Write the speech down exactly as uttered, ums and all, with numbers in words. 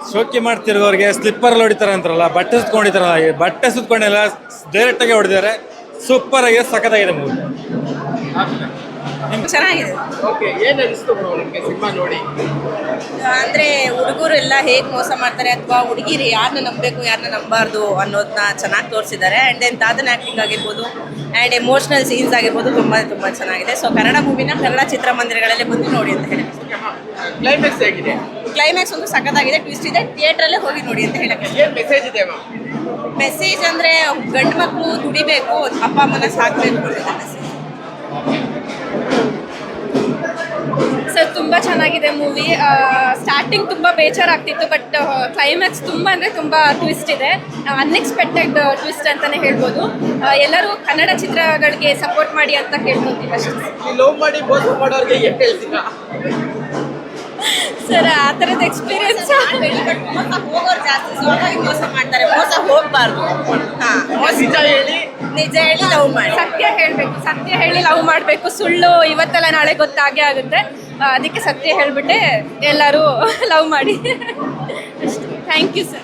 ಶೋಕಿ ಮಾಡ್ತಿರೋರಿಗೆ ಸ್ಲಿಪ್ಪರ್ ಹೊಡಿತಾರೆ ಅಂತಾರಲ್ಲ, ಬಟ್ಟೆ ಸುತ್ಕೊಂಡಿತಾರಲ್ಲ, ಬಟ್ಟೆ ಸುತ್ಕೊಂಡೆಲ್ಲ ಡೈರೆಕ್ಟ್ ಆಗಿ ಹೊಡೆದಿದ್ದಾರೆ. ಸೂಪರ್ ಆಗಿದೆ, ಸಖತ್ತಾಗಿದೆ ಮೂವಿ. ಚೆನ್ನಾಗಿದೆ. ಓಕೆ, ಏನು ಅನಿಸ್ತು ಬ್ರೋ ನಿಮಗೆ ಸಿನಿಮಾ ನೋಡಿ? ಅಂದ್ರೆ ಹುಡುಗರು ಎಲ್ಲ ಹೇಗೆ ಮೋಸ ಮಾಡ್ತಾರೆ ಅಥವಾ ಹುಡುಗಿರು ಯಾರನ್ನ ನಂಬಬೇಕು ಯಾರನ್ನ ನಂಬಾರ್ದು ಅನ್ನೋದನ್ನ ಚೆನ್ನಾಗಿ ತೋರಿಸಿದ್ದಾರೆ. ಆ್ಯಂಡ್ ದೆನ್ ತಾತನ ಆ್ಯಕ್ಟಿಂಗ್ ಆಗಿರ್ಬೋದು ಆ್ಯಂಡ್ ಎಮೋಷ್ನಲ್ ಸೀನ್ಸ್ ಆಗಿರ್ಬೋದು ತುಂಬ ತುಂಬ ಚೆನ್ನಾಗಿದೆ. ಸೊ ಕನ್ನಡ ಮೂವಿನ ಕನ್ನಡ ಚಿತ್ರಮಂದಿರಗಳಲ್ಲಿ ಬಂದು ನೋಡಿ ಅಂತ ಹೇಳಿ. ಕ್ಲೈಮ್ಯಾಕ್ಸ್ ಹೇಗಿದೆ? ಕ್ಲೈಮ್ಯಾಕ್ಸ್ ಒಂದು ಸಖತ್ತಾಗಿದೆ, ಟ್ವಿಸ್ಟ್ ಇದೆ, ಥಿಯೇಟ್ರಲ್ಲೇ ಹೋಗಿ ನೋಡಿ ಅಂತ ಹೇಳಕ್ಕೆ. ಏನು ಮೆಸೇಜ್ ಇದೆ ಮ್ಯಾಮ್? ಮೆಸೇಜ್ ಅಂದರೆ ಗಂಡು ಮಕ್ಕಳು ದುಡಿಬೇಕು, ಅಪ್ಪ ಅಮ್ಮನ ಸಾಕಬೇಕು ಅನ್ನೋದು ಮೆಸೇಜ್. ಸರ್ ತುಂಬ ಚೆನ್ನಾಗಿದೆ ಮೂವಿ. ಸ್ಟಾರ್ಟಿಂಗ್ ತುಂಬ ಬೇಜಾರಾಗ್ತಿತ್ತು, ಬಟ್ ಕ್ಲೈಮ್ಯಾಕ್ಸ್ ತುಂಬ ಅಂದರೆ ತುಂಬ ಟ್ವಿಸ್ಟ್ ಇದೆ, ಅನ್ಎಕ್ಸ್ಪೆಕ್ಟೆಡ್ ಟ್ವಿಸ್ಟ್ ಅಂತಲೇ ಹೇಳ್ಬೋದು. ಎಲ್ಲರೂ ಕನ್ನಡ ಚಿತ್ರಗಳಿಗೆ ಸಪೋರ್ಟ್ ಮಾಡಿ ಅಂತ ಕೇಳ್ಕೊತೀವಿ ಅಷ್ಟೇ. ಈ ಲವ್ ಮಾಡಿ ಮೋಸ ಮಾಡೋರಿಗೆ ಏನು ಹೇಳ್ತೀರಾ ಸರ್? ಆ ಥರದ ಎಕ್ಸ್ಪೀರಿಯನ್ಸ್ ಮೋಸ ಹೋಗೋರು ಜಾಸ್ತಿ, ಸೊ ಹಾಗಾಗಿ ಮೋಸ ಮಾಡ್ತಾರೆ. ಮೋಸ ಹೋಗಬಾರ್ದು. ಹಾಂ, ನಿಜ ಹೇಳಿ ನಿಜ ಹೇಳಿ ಲವ್ ಮಾಡಿ. ಸತ್ಯ ಹೇಳಬೇಕು, ಸತ್ಯ ಹೇಳಿ ಲವ್ ಮಾಡಬೇಕು. ಸುಳ್ಳು ಇವತ್ತೆಲ್ಲ ನಾಳೆ ಗೊತ್ತಾಗೇ ಆಗುತ್ತೆ. ಅದಕ್ಕೆ ಸತ್ಯ ಹೇಳಿಬಿಟ್ಟೆ ಎಲ್ಲರೂ ಲವ್ ಮಾಡಿ ಅಷ್ಟೇ. Thank you sir.